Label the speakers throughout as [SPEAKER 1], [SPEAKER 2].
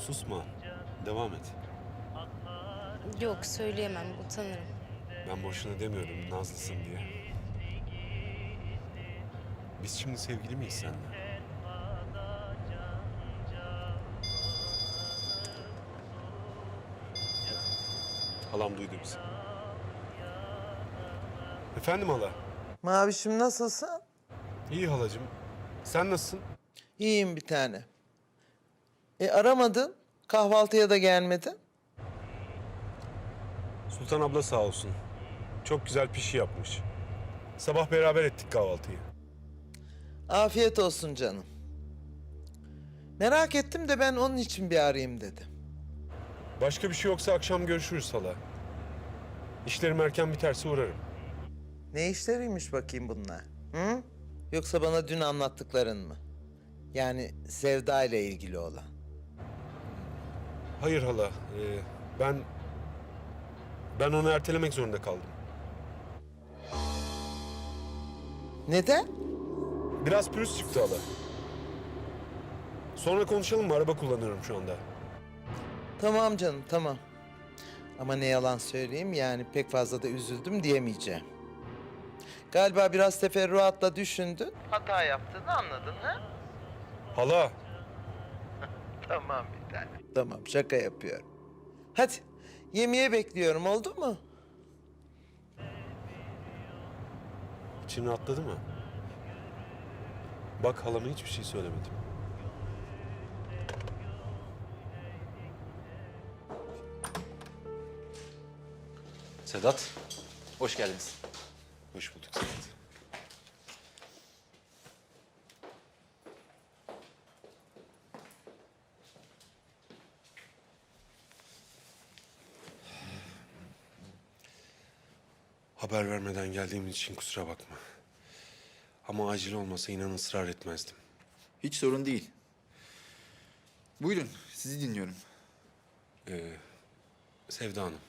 [SPEAKER 1] Susma. Devam et.
[SPEAKER 2] Yok söyleyemem, utanırım.
[SPEAKER 1] Ben boşuna demiyorum nazlısın diye. Biz şimdi sevgili miyiz seninle? Halam duydu bizi. Efendim hala?
[SPEAKER 3] Mavişim nasılsın?
[SPEAKER 1] İyi halacığım. Sen nasılsın?
[SPEAKER 3] İyiyim bir tane. Aramadın, kahvaltıya da gelmedin.
[SPEAKER 1] Sultan abla sağ olsun. Çok güzel pişi yapmış. Sabah beraber ettik kahvaltıyı.
[SPEAKER 3] Afiyet olsun canım. Merak ettim de ben onun için bir arayayım dedim.
[SPEAKER 1] Başka bir şey yoksa akşam görüşürüz hala. İşlerim erken biterse uğrarım.
[SPEAKER 3] Ne işleriymiş bakayım bunlar? Hı? Yoksa bana dün anlattıkların mı? Yani Sevda ile ilgili olan.
[SPEAKER 1] Hayır hala. Ben onu ertelemek zorunda kaldım.
[SPEAKER 3] Neden?
[SPEAKER 1] Biraz pürüz çıktı hala. Sonra konuşalım mı? Araba kullanıyorum şu anda.
[SPEAKER 3] Tamam canım, tamam. Ama ne yalan söyleyeyim yani pek fazla da üzüldüm diyemeyeceğim. Galiba biraz teferruatla düşündün. Hata yaptığını anladın ha?
[SPEAKER 1] Hala.
[SPEAKER 3] Tamam bir tane. Tamam şaka yapıyorum. Hadi yemeğe bekliyorum oldu mu?
[SPEAKER 1] İçin rahatladı mı? Bak halama hiçbir şey söylemedim.
[SPEAKER 4] Sedat, hoş geldiniz.
[SPEAKER 1] Hoş bulduk Sedat. Haber vermeden geldiğim için kusura bakma. Ama acil olmasa inan ısrar etmezdim.
[SPEAKER 4] Hiç sorun değil. Buyurun, sizi dinliyorum.
[SPEAKER 1] Sevda Hanım.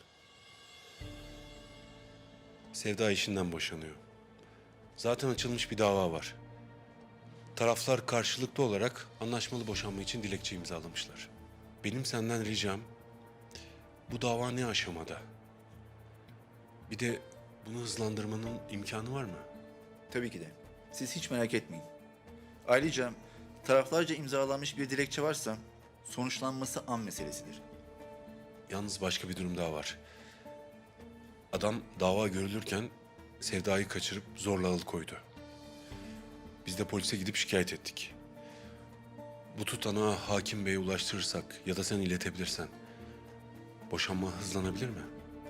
[SPEAKER 1] Sevda işinden boşanıyor. Zaten açılmış bir dava var. Taraflar karşılıklı olarak anlaşmalı boşanma için dilekçe imzalamışlar. Benim senden ricam bu dava ne aşamada? Bir de bunu hızlandırmanın imkanı var mı?
[SPEAKER 4] Tabii ki de. Siz hiç merak etmeyin. Ayrıca taraflarca imzalanmış bir dilekçe varsa sonuçlanması an meselesidir.
[SPEAKER 1] Yalnız başka bir durum daha var. Adam dava görülürken Sevda'yı kaçırıp zorla alıkoydu. Biz de polise gidip şikayet ettik. Bu tutanağı hakim beye ulaştırırsak ya da sen iletebilirsen boşanma hızlanabilir mi?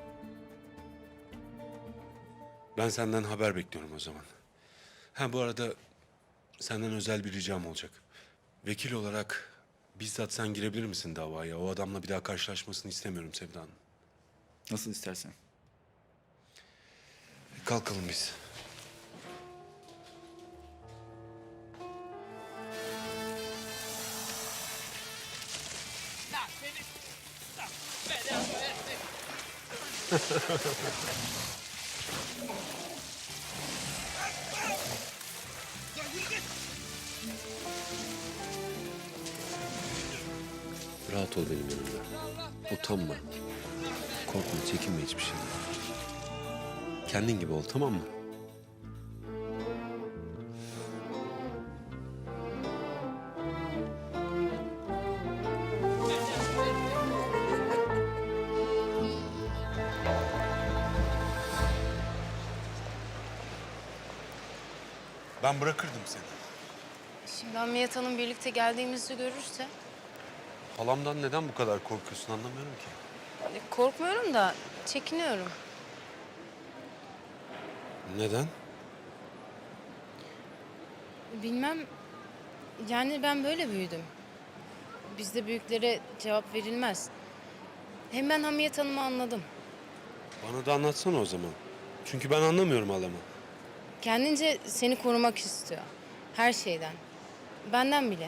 [SPEAKER 1] Ben senden haber bekliyorum o zaman. Ha bu arada senden özel bir ricam olacak. Vekil olarak bizzat sen girebilir misin davaya? O adamla bir daha karşılaşmasını istemiyorum Sevda Hanım.
[SPEAKER 4] Nasıl istersen.
[SPEAKER 1] Kalkalım biz. Rahat ol benim yanımda. Utanma. Korkma, çekinme hiçbir şeyden. Kendin gibi ol, tamam mı? Ben bırakırdım seni.
[SPEAKER 2] Şimdi Hamiyet Hanım birlikte geldiğimizi görürse...
[SPEAKER 1] Halamdan neden bu kadar korkuyorsun anlamıyorum ki.
[SPEAKER 2] Korkmuyorum da çekiniyorum.
[SPEAKER 1] Neden?
[SPEAKER 2] Bilmem, yani ben böyle büyüdüm. Bizde büyüklere cevap verilmez. Hem ben Hamiyet Hanım'ı anladım.
[SPEAKER 1] Bana da anlatsana o zaman. Çünkü ben anlamıyorum halamı.
[SPEAKER 2] Kendince seni korumak istiyor. Her şeyden. Benden bile.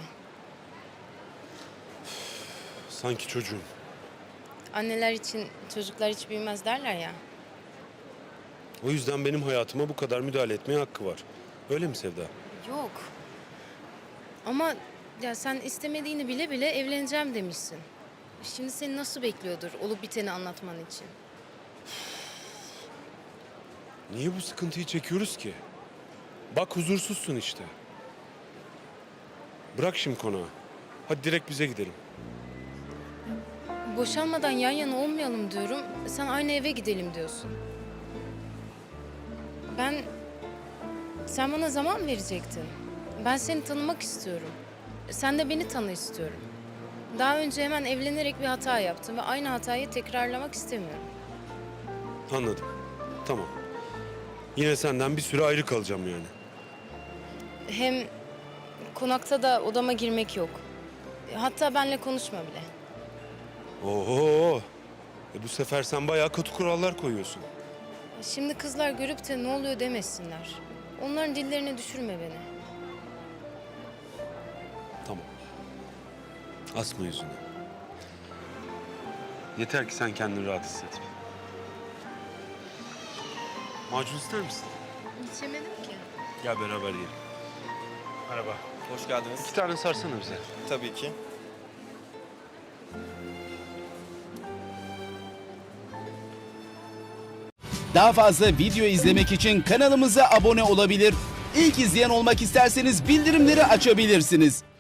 [SPEAKER 1] Sanki çocuğum.
[SPEAKER 2] Anneler için çocuklar hiç büyümez derler ya.
[SPEAKER 1] O yüzden benim hayatıma bu kadar müdahale etmeye hakkı var. Öyle mi Sevda?
[SPEAKER 2] Yok. Ama ya sen istemediğini bile bile evleneceğim demişsin. Şimdi seni nasıl bekliyordur olup biteni anlatman için?
[SPEAKER 1] Niye bu sıkıntıyı çekiyoruz ki? Bak huzursuzsun işte. Bırak şimdi konağı. Hadi direkt bize gidelim.
[SPEAKER 2] Boşanmadan yan yana olmayalım diyorum. Sen aynı eve gidelim diyorsun. Sen bana zaman verecektin. Ben seni tanımak istiyorum. Sen de beni tanı istiyorum. Daha önce hemen evlenerek bir hata yaptım ve aynı hatayı tekrarlamak istemiyorum.
[SPEAKER 1] Anladım. Tamam. Yine senden bir süre ayrı kalacağım yani.
[SPEAKER 2] Hem konakta da odama girmek yok. Hatta benle konuşma bile.
[SPEAKER 1] Oho! Bu sefer sen bayağı katı kurallar koyuyorsun.
[SPEAKER 2] Şimdi kızlar görüp de ne oluyor demesinler. Onların dillerine düşürme beni.
[SPEAKER 1] Tamam. Asma yüzünü. Yeter ki sen kendini rahat hisset. Macun ister misin?
[SPEAKER 2] İçemedim ki.
[SPEAKER 1] Gel beraber yiyelim. Merhaba.
[SPEAKER 5] Hoş geldiniz.
[SPEAKER 1] 2 tane sarsana bize.
[SPEAKER 5] Tabii ki.
[SPEAKER 6] Daha fazla video izlemek için kanalımıza abone olabilir. İlk izleyen olmak isterseniz bildirimleri açabilirsiniz.